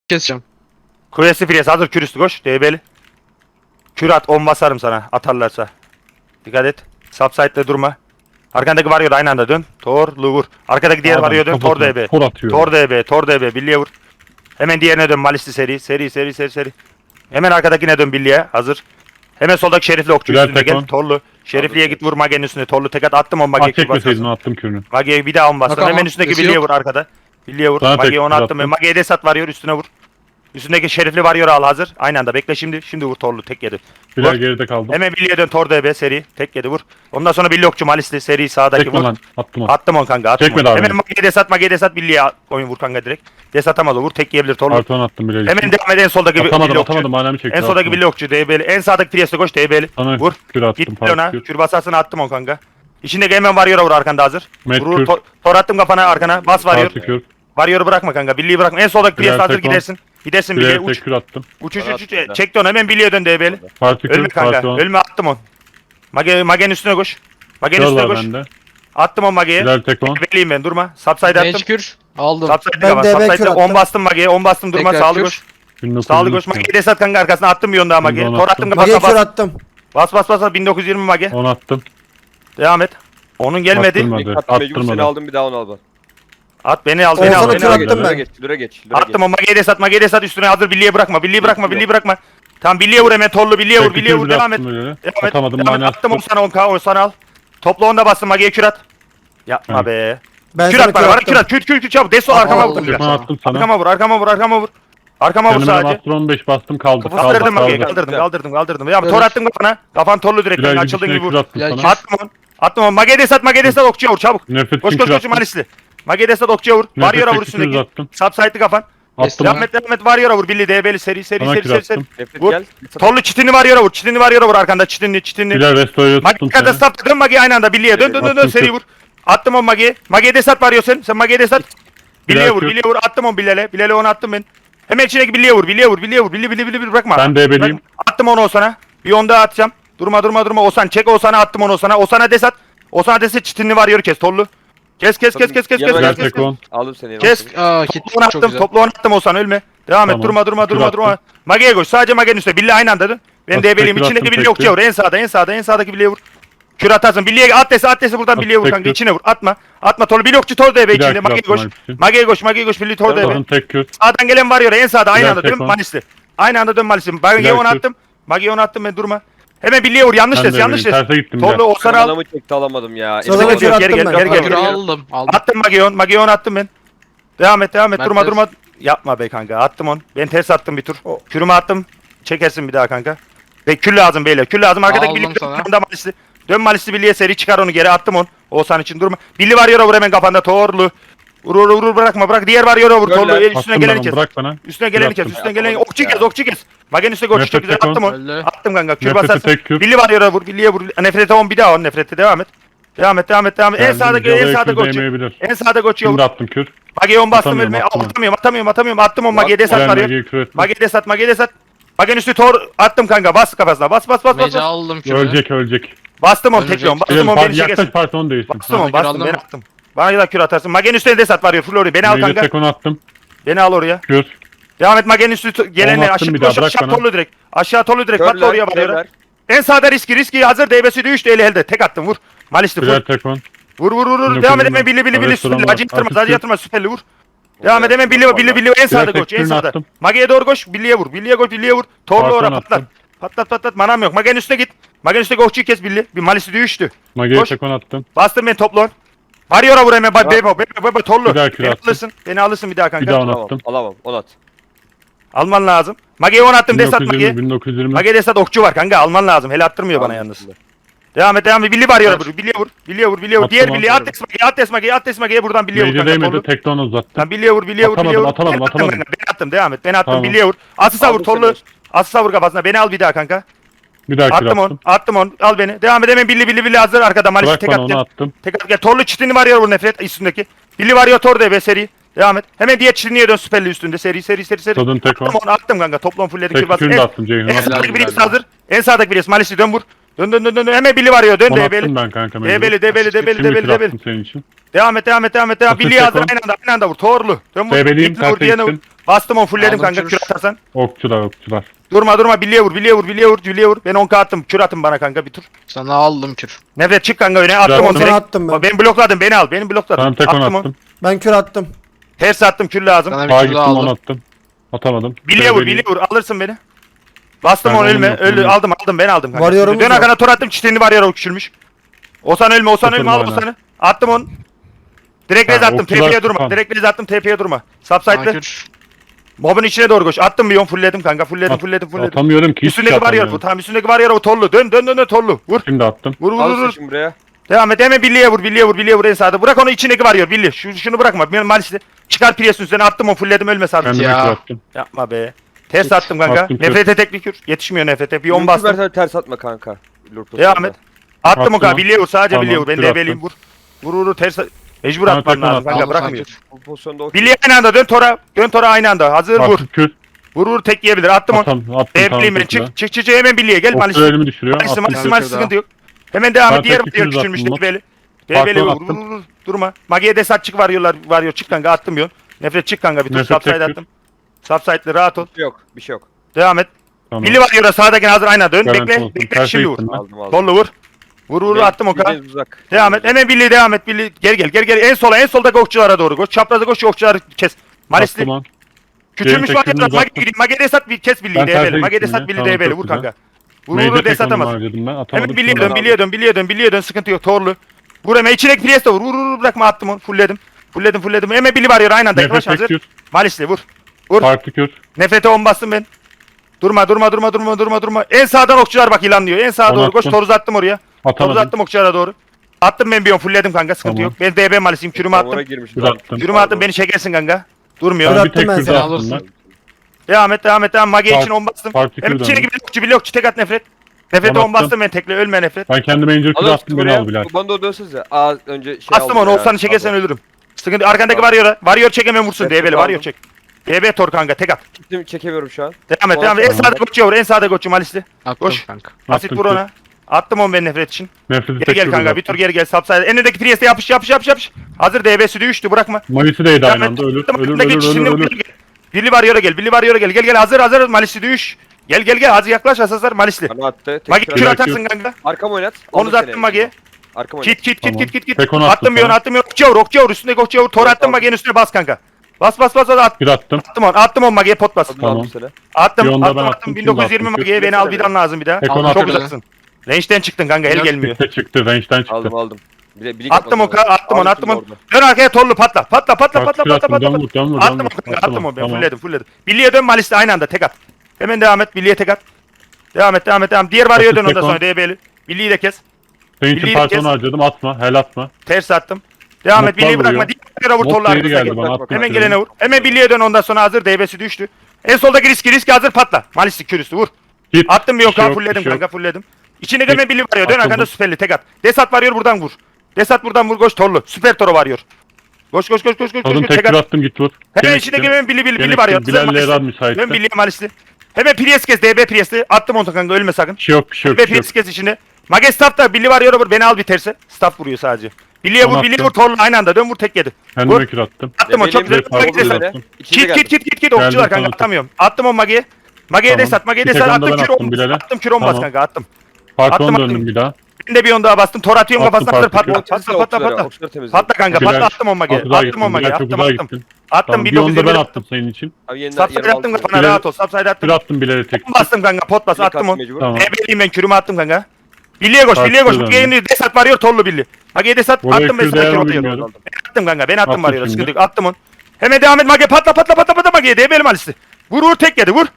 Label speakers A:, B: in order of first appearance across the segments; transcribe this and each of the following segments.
A: Keseceğim.
B: Kulesi Fires hazır, kür üstü koş. DB'li. Kür at, 10 basarım sana atarlarsa. Dikkat et. Subside'de durma. Arkandaki varıyor aynı anda dön. Torlu vur. Arkadaki diğer
C: Adam
B: varıyor dön. Tor
C: kafasına
B: DB.
C: tor atıyor.
B: Tor DB. Tor DB. Billy'e vur. Hemen diğerine dön. Malisli seri. Hemen arkadakine dön Billy'e. Hazır. Hemen soldaki Şerifli okçu
C: Güzel
B: üstünde
C: tekon.
B: gel. Torlu. Şerifli'ye git vur Mage'nin üstüne. Torlu tek at attım on
C: Ah
B: Mage'ye kür
C: çekmeseydin
B: basarsın.
C: attım kürünü.
B: Mage'ye bir daha 10 bastım.
A: Bakalım,
B: Hemen üstündeki
A: sesi
B: Billy'e
A: yok.
B: vur arkada. Billy'e vur.
C: Sana
B: Mage'ye
C: tek
B: 10
C: kür
B: attım.
C: attım.
B: Mage'ye desat varıyor üstüne vur. Üstündeki Şerifli varıyor al hazır. Aynı anda bekle şimdi. Şimdi vur Torlu tek yedi.
C: Biraz
B: Vur.
C: geride kaldım.
B: Hemen Billy'e dön Tor DB seri. Tek yedi vur. Ondan sonra Billy okçu Malisli seri sağdaki
C: Çekme
B: vur.
C: lan. Attım onu.
B: Attım on kanka attım
C: Çekmedi
B: on.
C: abi.
B: Hemen Mage'ye desat Billy'e oyun vur kanka direkt. Desatamaz o vur tek yiyebilir Torlu.
C: Artı 10 attım bile.
B: Hemen devam et en soldaki Billy okçu.
C: Atamadım manemi çekti.
B: En soldaki Billy okçu DB'li. En sağdaki Priest'e koş DB'li.
C: Sana
B: Vur.
C: kür attım.
B: Git
C: Parti
B: ona.
C: kür.
B: Kür basarsına attım on kanka. İçindeki hemen Warrior'a vur arkanda hazır.
C: Met
B: Vur.
C: kür.
B: Tor attım kafana arkana. Bas Warrior.
C: Parti kür.
B: Warrior'u bırakma kanka. Billy'yi bırakma. En soldaki Priest
C: Birer
B: hazır
C: tekon.
B: gidersin. Gidersin Billy'ye
C: Birer
B: uç.
C: tek kür attım.
B: Uç. Çekti onu hemen Billy'ye dön DB'li.
C: Parti
B: Ölme
C: kür. Parti
B: kanka.
C: 10.
B: Ölme attım on. Mage'nin üstüne koş. Mage'nin
C: Kör
B: üstüne
C: var
B: koş.
C: bende.
B: Attım on Mage'ye.
C: Birer tek 10.
B: Beliyim ben durma. Subside attım.
A: Mecbur. Aldım.
B: Subside'de
D: Ben
B: kapan.
D: DB
B: Subside'de
D: kür
B: 10
D: attım.
B: bastım Mage'ye. 10 bastım durma.
A: Tekrar
B: Sağlı
A: kür.
B: koş.
C: 1920
B: Sağlı koş. Mage'ye desat kanka arkasına attım bir yon daha Mage'ye.
C: 110
B: Tor attım
C: attım.
D: Mage'ye
B: kafasına
D: kür
B: bas.
D: attım.
B: Bas 1920 Mage.
C: 10 attım.
B: Devam et. Onun gelmedi.
C: Attırmadı.
E: İlk attım mecbur seni
C: Attırmadı.
E: aldım bir daha onu al bak.
B: At beni al
D: Oğuzhan'a
B: beni
D: kür
B: al.
D: attım ben.
E: Lüre geç, lüre geç.
B: Attım o Mage'ye desat üstüne hazır Billy'ye bırakma. Billy'yi bırakma. Tamam Billy'ye vur hemen Torlu Billy'ye vur.
C: Tek
B: Billy'ye
C: kür
B: vur
C: bile
B: devam et.
C: attım öyle.
B: Devam et.
C: Atamadım
B: Devam et.
C: mani
B: Attım o
C: attım.
B: sana 10k o sana al. Topla onda bastım Mage'ye kür at. Yapma
C: Evet.
B: be.
D: Ben
B: Kür
D: sana
B: at bana
D: kür
B: bana
D: attım.
B: kür at. Kür çabuk. Deso arkama
A: Aldım.
B: vur.
C: Tekon attım sana.
B: Arkama vur. Arkama vur. Arkama vur
C: Kendime
B: sadece.
C: Master 15 bastım kaldı.
B: Kaldırdım Mage'yi
C: Kaldı.
B: kaldırdım. Ya
A: Evet.
B: tor attım kafana. Kafan torlu direkt.
C: Birer
B: Açıldığın
C: gidişine
B: gibi
C: kür
B: vur.
C: attım
A: Ya
C: sana.
A: kür.
B: Attım on. Mage'ye desat okçuya vur çabuk.
C: Nefret
B: Koş
C: için kür attım.
B: Malisli. Mage'ye desat okçuya vur. Warrior'a vur
C: Nefret için kür
B: üstündeki.
C: attım.
B: Subside'li kafan.
C: Attım.
B: Devam et Warrior'a vur. Billy DB'li seri.
C: Sana kür attım.
E: Nefret
B: Vur.
E: gel.
B: Torlu çitini Warrior'a vur arkanda çitinli.
C: Birer restore'ya tuttum
B: Mage'ye
C: seni.
B: desat dön Mage'ye aynı anda Billy'ye dön
C: Attım
B: seri
C: kür.
B: vur. Attım on Mage'ye. Mage'ye desat varıyor sen Mage'ye desat. Billy'ye
C: Birer
B: vur.
C: kür.
B: Billy'ye vur. Attım on Billy'e onu attım ben. Hemen içindeki Billy'ye vur. Billy bırakma.
C: Ben de ebeliyim.
B: Attım onu Osan'a. Bir on daha atacağım. Durma. Osan çek Osan'a attım onu Osan'a. Osan'a desat. Osan'a desat çitinli varıyor kes Torlu. Kes.
C: Birer tek 10.
E: Aldım seni.
B: Kes.
A: Aa kit
B: Toplu onu
A: çok
B: attım.
A: güzel.
B: Toplu onu attım Osan ölme. Devam et.
C: Tamam.
B: Durma.
C: attım.
B: Mage'ye koş. Sadece Mage'nin üstüne. Billy aynı anda dön. Ben
C: Attım,
B: DB'liyim.
C: tekrar
B: İçindeki
C: attım,
B: Billy okçuya vur. En sağdaki Billy'ye vur. Kür atarsın. Billy'ye at desi buradan Billy'ye vur
C: tek
B: kanka.
C: kür.
B: İçine vur. Atma. Torlu Billy okçu Tor DB
C: Bir
B: içinde.
C: daha
B: Mage'ye
C: kür
B: koş.
C: attım Alp'sin.
B: Mage'ye koş. Billy Tor DB.
C: Torun tek kür.
B: Sağdan gelen var en sağda aynı
C: Birer
B: anda dön
C: tekon.
B: Malisli. Aynı anda dön Malisli. Mage'ye
C: Birer
B: onu
C: kür.
B: attım. Mage'ye onu attım ben durma. Hemen Billy'ye vur. Yanlış
C: Ben
B: des.
C: de
B: Yanlış des.
C: ebeliyim. Terse gittim
B: Torlu
C: biraz.
B: Osan'ı al.
E: Kanalımı çekti alamadım ya.
D: Sana
B: Geri
D: kür
B: gel,
D: attım
B: geri
D: ben.
B: gel.
A: Kür aldım.
B: Attım Mage'ye onu attım ben. Devam et.
A: Ben
B: Durma. Yapma be kanka. Attım onu. Ben ters attım bir tur.
D: O-
B: Kürümü attım. Çekersin bir daha kanka. Ve kül lazım beyler. Kül lazım. Arkadaki
A: Aldım
B: Billy
A: sana.
B: dön Malisli. Dön Malisli Billy'ye seri çıkar onu geri attım onu. Oğuzhan için durma. Billy var yora vur hemen kafanda. Torlu. Vur bırak. Diğer var yora vur.
E: Gönder.
B: Torlu. Üstüne
C: Attım
B: geleni
C: ben
B: kes.
C: onu bırak bana.
B: Üstüne geleni kes.
C: Attım.
B: Üstüne geleni.
E: Yapamadım
B: Okçu
E: ya.
B: kes. Okçu kes. Mage'nin üstüne okçu çok güzel.
C: Nefret
B: Attım onu.
A: Öldü.
B: Attım kanka. Kür
C: Nefreti
B: basarsın.
C: tek kür.
B: Billy var yora vur. Billy'ye vur. Nefrete 10 bir daha on. Nefrete devam et. Devam et. En
C: Yani
B: sağdaki
C: Jola'ya kür
B: okçu.
C: değmeyebilir.
B: En sağdaki okçuya
C: Şimdi
B: vur.
C: attım kür.
B: Mage'ye 10 bastım
C: Atamıyorum,
B: ölme. Atamıyorum. Attım on Mage'ye desat
C: Birer
B: varıyor.
C: Mage'yi kür ettim.
B: Mage'ye desat. Mage'nin üstü tor attım kanka. Bas kafasına. Bas.
A: Mece aldım kürünü.
C: Ölecek.
B: Bastım onu
A: Ölecek.
B: tekliyorum.
C: Birer
B: Bastım onu beni
C: yaklaş
B: çekesin.
C: parti 10 değilsin.
B: Bastım onu
A: Kür
B: bastım
A: aldın
B: ben
A: mı?
B: attım. Bana da kür atarsın. Mage'nin üstüne desat varıyor. Flori beni al
C: Meclis
B: kanka.
C: tek 10 attım.
B: Beni al oraya.
C: Kür.
B: Devam et Mage'nin üstü gelenle
C: attım
B: aşağı
C: bir daha,
B: koş
C: bırak
B: aşağı
C: bana.
B: torlu direkt. Aşağı torlu direkt patla oraya varıyor.
E: Körler.
B: En sağda riski hazır DB'si düştü eli elde. Tek attım vur. Malisli
C: Birer
B: vur.
C: tek 10.
B: Vur. Devam et hemen Billy
C: Evet,
B: süperli.
C: duramaz.
B: Acı yatırma süperli vur. Devam et hemen Billy en sağda
C: tek
B: koş en
C: kürünü
B: sağda.
C: attım.
B: Mage'ye doğru koş. Billy'ye vur. Torlu
C: Parton
B: oraya patlat.
C: attım.
B: Patlat. Manam yok. Mage'nin üstüne git. Mage'nin üstündeki okçuyu kes Billy. Bir Malisli düştü.
C: Mage'ye
B: Koş.
C: tek 10 attım.
B: Bastım ben toplon. Varıyor'a vur hemen. Bebo torlu.
C: Bir daha kür attım.
B: Beni alırsın bir daha kanka.
C: Bir daha
E: Alamam.
C: attım.
E: Alamam. Onu at.
B: Alman lazım. Mage'ye 10 attım desat Mage'ye.
C: 1920.
B: Mage'ye desat okçu var kanka alman lazım. Hele attırmıyor bana yalnız. Devam et. Billy varıyor'a vur. Billy'ye vur.
C: Attım,
B: Diğer Billy'ye
C: attım.
B: at Mage'ye buradan Billy'ye vur
C: Meclis
B: kanka.
C: değmedi
B: Torlu.
C: tek 10 uzattım.
B: Tamam Billy'ye vur.
C: Atamadım.
B: Ben attım devam et. Ben attım
C: Tamam.
B: Billy'ye vur. Asısa vur
E: Aldım
B: torlu.
E: seni.
B: Asısa vur kafasına. Beni al bir daha kanka.
C: Bir daha kür attım.
B: Attım on. Al beni. Devam et hemen Billy hazır arkada Malisli
C: Bırak
B: tek
C: bana onu
B: attım.
C: attım.
B: Tek at gel. Torlu çitini var ya bu nefret üstündeki. Billy var ya Tor DB seri. Devam et. Hemen diğer çitiniye dön süperli üstünde. Seri.
C: Tadın tek 10.
B: Attım kanka. Toplam fullledik.
C: Tek kürünü de attım Ceyhun.
B: En
A: Helal
B: sağdaki
A: güzel.
B: birisi hazır. En sağdaki birisi Malisli dön vur. Dön dön dön dön. Hemen Billy varıyor. Dön
C: Onu
B: DB'li.
C: attım ben kanka. mecbur.
B: DB'li DB'li DB'li
C: Şimdi
B: DB'li
C: kür
B: DB'li.
C: attım senin için.
B: Devam et devam et devam et.
C: Asist
B: Billy'yi hazır
C: Ekon.
B: aynı anda vur. Torlu. Dön vur.
C: DB'liyim,
B: İpni vur
C: terse
B: diğerine vur.
C: gittim.
B: Bastım on fullledim
A: Aldım
B: kanka
A: kür.
B: kür atarsan.
C: Okçular.
B: Durma Billy'ye vur Billy'ye vur Billy'ye vur Billy'ye vur. Ben 10k attım. Kür atın bana kanka bir tur.
A: Sana aldım kür.
B: Nefret çık kanka öne attım onu
C: Attım.
B: direkt.
D: Attım ben.
B: Ben blokladım beni al. Beni blokladım.
C: Tamam tek onu
B: Attım
C: attım.
D: Ben kür attım.
B: Ters attım kür lazım.
A: Sana
C: Sağa
A: bir kür
C: gittim
A: daha
C: onu
A: aldım.
C: attım. Atamadım.
B: Billy'ye vur
C: DB'liyim.
B: Billy'ye vur. Alırsın beni. Bastım
C: Ben
B: onu
C: oğlum
B: ölme.
C: yok,
B: Öldü
C: oğlum.
B: aldım ben aldım kanka.
D: Varıyorumuz
B: Dön
D: var.
B: arkana tur attım çitini var yara küçülmüş. Osan ölme Osan ölme al
C: Oturma
B: Osan'ı. Attım onu. Direkt
C: Ha,
B: rez attım
C: okçular
B: TP'ye durma.
C: tamam.
B: Direkt rez attım TP'ye durma.
A: Sana
B: Subside'le.
A: kür.
B: Mobun içine doğru koş. Attım bir yon fullledim kanka. Fullledim.
C: Atamıyorum ki. hiç
B: Üstündeki var
C: atamıyorum.
B: bu. Tamam üstündeki var o torlu. Dön torlu. Vur.
C: Şimdi attım.
B: Vur
E: Al
B: vur.
E: şimdi buraya.
B: Devam et. Hemen Billy'ye vur en sağda. Bırak onu içindeki var Billy. Şunu bırakma. Benim maalesef. Çıkar Priest'in üzerine attım o fullledim ölme sağda.
C: Kendime
A: Ya.
C: kür attım.
B: Yapma be. Ters attım kanka.
C: Attım, kür.
B: Nefrete teknik kür. Yetişmiyor nefrete. Bir 10
E: Mümkün
B: bastım.
E: mertebe ters atma kanka. Lurp
B: Devam et. Attım o
C: Attım
B: kadar.
C: o.
B: Billy'ye vur. Sadece
C: Tamam,
B: Billy'ye vur. Ben
C: kür
B: DB'liyim
C: attım.
B: vur. Vur ters. Mecbur
C: Tamam,
B: atman
C: tekrar
B: lazım
C: attım.
B: kanka.
A: Aldım
B: Bırakmıyor.
A: sana kür.
E: Bu pozisyonda o.
B: Billy'ye aynı anda dön tora. Dön tora aynı anda. Hazır vur.
C: Attım kür.
B: Vur tek yiyebilir. Attım onu.
C: Attım
B: DB'liyim ben.
C: tamam.
B: Çık hemen Billy'ye gel.
C: Okçular
B: Maalesef.
C: elimi düşürüyor.
B: Maalesef
C: Attım
B: maalesef
C: kür.
B: sıkıntı yok. Hemen devam
C: Ben
B: et. Diğer
C: tek
B: vuruyor
C: ikimiz
B: küçülmüş
C: attım
B: DB'li.
C: Farklı
B: DB'li vur.
C: attım.
B: Vur. Durma. Magi'ye desat çık varıyor. Çık kanka attım yon. Nefret çık kanka bir tur.
C: Nefret
B: Subside
C: tek
B: attım. Subside'li rahat ol.
E: Bir şey yok.
B: Devam et.
C: Tamam.
B: Billy varıyor sağdaki hazır aynen dön.
C: Garanti
B: Bekle.
C: olsun.
B: Bekle
C: Terse
B: şimdi vur.
C: gittim ben.
E: Aldım.
B: Torlu vur. Vur attım o kadar.
E: Bildiğiniz uzak.
B: Devam et. Hemen Billy devam et. Billy gel. En soldaki okçulara doğru koş. Çapraza koş okçuları kes. Malisli.
C: Attım on.
B: Küçülmüş
C: Geri
B: var ya.
C: tekniğini uzattım.
B: Mage desat bir kes Billy'yi
C: Ben terse
B: DB'li. Mage
C: gittim
B: desat
C: ya.
B: Billy
C: Tamam,
B: DB'li
C: çok
B: vur
C: güzel.
B: kanka. Vur
C: Meyde tek
B: desat
C: onu
B: atamaz.
C: harcadım ben.
B: Hemen
C: Atamadım.
B: Billy'ye
C: sonra
B: dön. Billy'ye dön. Sıkıntı yok. Torlu. Vur hemen içine Priest'e vur. Vur bırakma attım onu. Fullledim. Hemen Billy varıyor aynı anda.
C: Nefret
B: Yavaş hazır.
C: kür.
B: Malisli vur.
C: Farklı kür.
B: Nefrete 10 bastım ben. Durma. En sağdan okçular bak ilanlıyor. En sağa
C: Onu
B: doğru koş.
C: attım.
B: Toruz attım oraya. Toruz
C: Atamadım.
B: attım okçulara doğru. Attım ben bir on fullledim kanka sıkıntı
C: Tamam.
B: yok. Ben DB malisiyim kürümü
E: Oraya
B: attım.
E: girmiş.
C: Kür attım.
B: Kürümü attım beni çekersin kanka. Durmuyor.
D: Kür
C: Ben bir
D: attım
C: tek
D: ben
C: kür
D: sana.
C: daha attım
A: Alırsın.
C: ben.
B: Devam et. Mage için 10 bastım.
C: Farklı
B: Hem
C: kür
B: içine
C: döndüm.
B: gibi bir okçu tek at nefret. Nefrete
C: Onu
B: 10 bastım ben tekle ölme nefret.
C: Ben kendime incir kür
E: Alın
C: attım beni al Bilal.
E: Bana da dönsenize. Aa önce şey
B: Bastım onu olsanı çekersen ölürüm. Sıkıntı arkandaki varıyor çek hemen vursun
E: Evet,
B: DB'li
E: aldım.
B: varıyor çek. DB tor kanka tek at.
E: Çekemiyorum şu an.
B: Devam et. En
E: Tamam.
B: sağda koçuya vur en sağda koçu malisli.
A: Attım
B: Koş.
A: kanka.
B: Asit
C: Attım
B: vur
C: kür.
B: ona. Attım on ben nefret için.
C: Nefreti
B: Geri
C: tek
B: gel
C: kür
B: kanka bir tur
C: attım.
B: geri subside. Önündeki Priest'e yapış. Hazır DB'si düştü bırakma.
C: Malisi değdi aynı
B: Devam
C: anda.
B: et.
C: Ölür.
B: Billy var yora gel. Gel hazır Malisli düş. Gel hazır yaklaş asaslar Malisli.
E: Bana attı. Tek
B: Magi
E: kür
B: kür
E: attı.
B: atarsın kanka.
E: Arkam oynat.
B: Onu
E: Aldım
B: uzattım
E: seni.
B: Magi'ye.
E: Arkam oynat.
B: Kit.
C: Tamam.
B: Tek
C: Tek onu attım
B: attım
C: sana.
B: attım okçuya vur üstündeki okçuya vur. Tor
E: Evet,
B: attım
E: aldım.
B: Magi'nin üstüne bas kanka. Bas
C: Kür attım.
B: attım on Magi'ye pot bas.
C: Tamam.
E: Aldım seni.
C: Bir onda ben
B: Attım
C: attım,
B: 1920
C: şimdi
B: Magi'ye
E: attım.
B: beni al bir dan lazım bir daha.
C: Tek onu
A: Aldım.
B: Çok
C: attım.
B: uzaksın. Range'den çıktın kanka el
A: Yok,
B: gelmiyor.
C: Çıktı çıktı. Range'den çıktı.
E: Aldım. Bir
B: Attım o
E: atmadım.
B: attım onu
E: Aldım
B: onu.
E: şimdi
B: Dön arkaya torlu patla.
C: Farklı kür attım. Dön vur.
B: Attım o ben fullledim. Billy'ye dön Malis'te aynı anda tek at. Hemen devam et Billy'ye tek at. Devam et. Diğer varıyor
C: Asist
B: dön ondan
C: Ekon.
B: sonra DB'li. Billy'yi de kes.
C: Senin için
B: Billy'yi de kes.
C: partonu harcadım. Atma. Hel atma.
B: Ters attım. Devam et
C: Mutlar
B: Billy'yi bırakma.
C: vuruyor.
B: Diğer vur torlu
C: Mut geri
B: arkasına
C: geldi
B: gel.
C: bana. Attım.
B: Hemen
C: kürünü.
B: gelene vur. Hemen Billy'ye dön ondan sonra hazır DB'si düştü. En soldaki riski hazır patla. Malis'li kürüstü vur.
C: Hit.
B: Attım bir
C: Bir şey
B: yok
C: yok,
B: fullledim
C: bir şey yok.
B: kanka fullledim. İçine hemen Billy varıyor. Dön
C: Atıldı.
B: arkanda süperli tek at. Desat varıyor buradan vur. Desat buradan vur koş torlu. Süper toro varıyor. Koş.
C: Kadın tek
B: Tek
C: kür
B: at.
C: attım git vur.
B: Hemen
C: Gene
B: içine
C: gittim.
B: hemen Billy
C: Gene
B: varıyor.
C: gittim. Bilal'le Eral müsaitti.
B: Dön Billy'ye Malis'li. Hemen Priest kes DB Priest'i. Attım onu kanka ölme sakın.
C: Bir şey yok. Bir şey yok.
B: DB
C: Bir şey yok.
B: Priest kes içine. Mage staff da Billy varıyor vur. Beni al bir terse. Staff vuruyor sadece. Billy'ye
C: Onu
B: vur. Billy'ye
C: attım.
B: vur torlu aynı anda. Dön vur tek yedi.
C: Kendime
B: Vur.
C: kür attım.
B: Attım onu çok güzel.
C: Benim
B: Mage
C: favori
B: desat.
C: attım.
B: Kit okçular
C: Geldim,
B: kanka
C: sana
B: atamıyorum. Attım on Mage'ye. Mage'ye
C: Tamam.
B: desat. Mage'ye
C: Bir tek
B: desat.
C: onda
B: Attım
C: ben
B: kür
C: attım
B: on.
C: Bilal'e.
B: Attım kür on bas
C: Tamam.
B: kanka attım.
C: Partonu
B: Attım.
C: döndüm bir daha.
B: Ben de bir onda bastım. Tor atıyorum
C: Attım
B: kafasına hazır
C: parti.
B: patla. Patla kanka
C: Bilal,
B: patla attım on Mage'ye.
C: Çok uzağa
B: Attım on
C: gittin.
B: Mage'ye.
C: Bilal çok
B: Attım
C: uzağa
B: attım.
C: gittin.
B: Attım
C: Tamam, bir onda ben
B: 1920.
C: attım senin için.
E: Abi yeniden
B: Subside attım kafana
C: Bilal-
B: rahat ol. Subside
C: Kür
B: attım.
C: attım Bilal'e tek.
B: Bastım kanka pot bas attım on.
C: Tamam.
B: Ebeliyim ben kürümü attım kanka. Billy'ye koş.
C: Parti
B: Billy'ye koş.
C: döndüm.
B: Billy'ye desat varıyor torlu Billy. Mage'ye desat
C: Oraya
B: attım ben
C: kür
B: sana kür
C: değer mi
B: atıyorum.
C: bilmiyorum.
B: Ben attım kanka. Ben attım
C: Attım
B: varıyor.
C: şimdi.
B: Sıkıntı yok. Attım on. Hemen devam et Mage patla Mage'ye. DB'lim Alice'li. Vur tek yedi vur.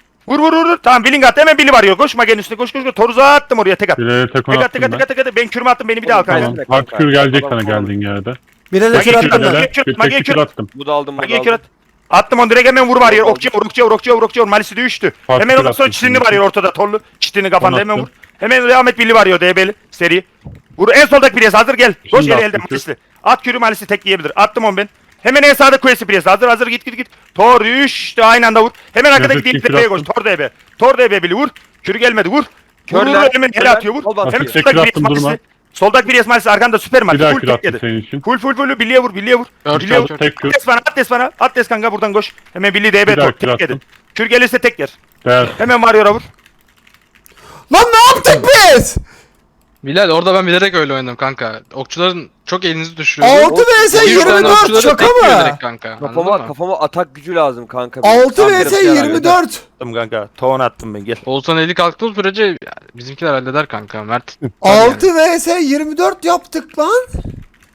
B: Vur. Tamam Billing attı. Hemen Billy varıyor. Koş Mage'nin üstüne koş. Toruza attım oraya tek at.
C: Bilal'e tek onu attım ben.
B: Tek at. Ben kürümü attım. Beni bir daha al kanka.
C: Tamam. Farklı kür gelecek sana geldiğin yerde.
D: Bilal'e
B: Magi
D: kür
B: kür
D: attım
B: attı.
D: ben.
C: Bilal'e
B: kür,
C: bir
B: Magi'ye
C: tek kür
B: kür.
C: attım.
E: Bu da aldım.
B: Mage'ye kür at. Attım onu direkt hemen vur varıyor. Okçuya vur. Malisi düştü.
C: Farklı
B: Hemen ondan
C: kür
B: sonra
C: attım
B: çitini
C: şimdi.
B: varıyor ortada torlu. Çitini kafanda
C: Onu
B: hemen vur.
C: attım.
B: Hemen devam et Billy varıyor DB'li seri. Vur en soldaki Priest hazır gel. Koş
C: Şimdi
B: gel
C: attım
B: elde
C: kür.
B: Malisi. At kürü Malisi tek yiyebilir. Attım onu ben. Hemen en sağda Quest'i Priest hazır git. Tor düştü aynı anda vur. Hemen arkadaki
C: Nefret
B: DB'ye
C: kür
B: koş.
C: attım.
B: Tor DB Billy vur. Kürü gelmedi vur.
E: Körler.
B: Hemen el atıyor vur.
E: Sol bas.
C: Hafif
B: Hemen
C: tekrar
B: soldaki
C: attım,
B: Prius
C: durma.
B: Malisi. Soldaki Prius Malisi arkanda süper
C: Bir
B: maç.
C: daha
B: Full
C: kür
B: tek
C: attım
B: yedi.
C: senin için.
B: Full birliğe vur. Birliğe vur.
A: Ört,
B: Birliğe vur.
A: ört, ört.
C: Tek kür.
B: Atles bana. Atles kanka buradan koş. Hemen birliği DB
C: Bir daha
B: tor.
C: kür
B: Tek
C: attım.
B: yedin. Kür gelirse tek yer.
C: Değer.
B: Hemen Warrior'a vur.
D: Lan ne yaptık biz?
A: Bilal orada ben bilerek öyle oynadım kanka. Okçuların çok elinizi düşürüyordu.
D: 6 vs
A: 200 tane
D: 24
A: okçuları
D: şaka
A: tekliyor
D: mı?
A: direkt kanka. Anladın
E: Kafama
A: mı?
E: kafama atak gücü lazım kanka.
D: 6
E: Tam
D: vs
E: bir şey
D: 24.
B: Attım kanka. Toğun attım ben gel.
A: Oğuzhan eli kalktığı sürece bizimkiler halleder kanka Mert.
D: 6 vs 24 yaptık lan.